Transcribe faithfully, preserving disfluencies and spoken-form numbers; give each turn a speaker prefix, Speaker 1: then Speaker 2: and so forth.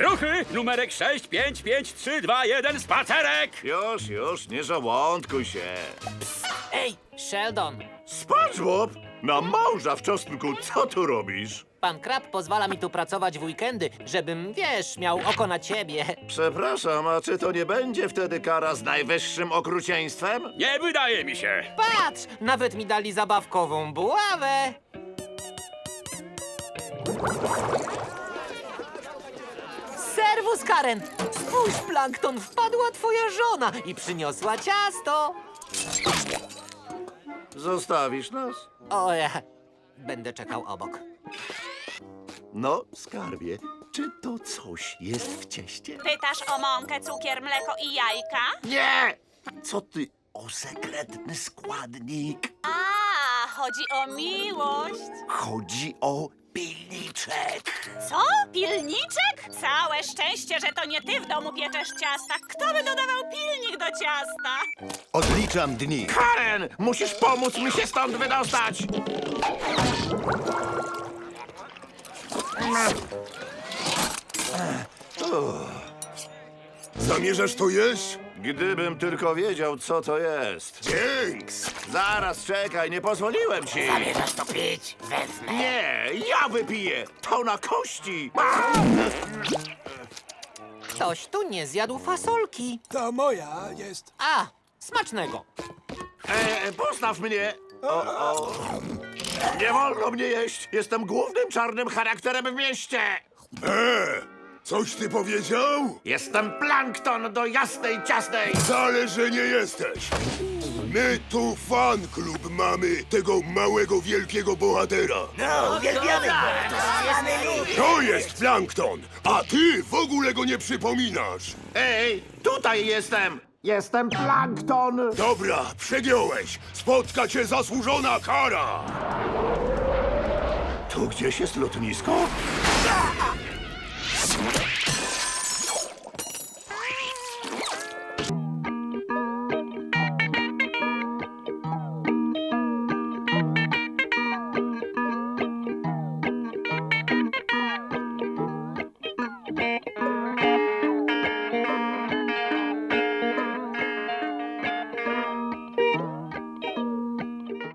Speaker 1: Ruchy! Numerek sześć, pięć, pięć, trzy, dwa, jeden, spacerek!
Speaker 2: Już, już, nie żołądkuj się.
Speaker 3: Ej, Sheldon,
Speaker 2: SpongeBob? Na małża w czosnku, co tu robisz?
Speaker 3: pan Krab pozwala mi tu pracować w weekendy, żebym, wiesz, miał oko na ciebie.
Speaker 2: Przepraszam, a czy to nie będzie wtedy kara z najwyższym okrucieństwem?
Speaker 1: Nie wydaje mi się.
Speaker 3: Patrz, nawet mi dali zabawkową buławę. Serwus, Karen! Spójrz, Plankton, wpadła twoja żona i przyniosła ciasto.
Speaker 2: Zostawisz nas?
Speaker 3: O, ja będę czekał obok.
Speaker 2: No, skarbie, czy to coś jest w cieście?
Speaker 4: Pytasz o mąkę, cukier, mleko i jajka?
Speaker 2: Nie! Co ty o sekretny składnik?
Speaker 4: A, chodzi o miłość.
Speaker 2: Chodzi o pilniczek.
Speaker 4: Co? Pilniczek? Całe szczęście, że to nie ty w domu pieczesz ciasta. Kto by dodawał pilnik do ciasta?
Speaker 5: Odliczam dni.
Speaker 2: Karen, musisz pomóc mi się stąd wydostać!
Speaker 5: Zamierzasz to jeść?
Speaker 2: Gdybym tylko wiedział, co to jest.
Speaker 5: Dzięks!
Speaker 2: Zaraz, czekaj, nie pozwoliłem ci.
Speaker 3: Zamierzasz to pić? Wezmę.
Speaker 2: Nie, ja wypiję. To na kości.
Speaker 3: Ktoś tu nie zjadł fasolki.
Speaker 6: To moja jest.
Speaker 3: A, smacznego.
Speaker 2: E, postaw mnie. O, o. Nie wolno mnie jeść. Jestem głównym czarnym charakterem w mieście.
Speaker 5: Eee, coś ty powiedział?
Speaker 2: Jestem plankton do jasnej, ciasnej.
Speaker 5: Wcale, że nie jesteś. My tu fan klub mamy tego małego, wielkiego bohatera.
Speaker 3: No, uwielbiamy go.
Speaker 5: To jest Plankton, a ty w ogóle go nie przypominasz.
Speaker 2: Ej, tutaj jestem. Jestem plankton.
Speaker 5: Dobra, przegiąłeś. Spotka cię zasłużona kara.
Speaker 2: Tu gdzieś jest lotnisko?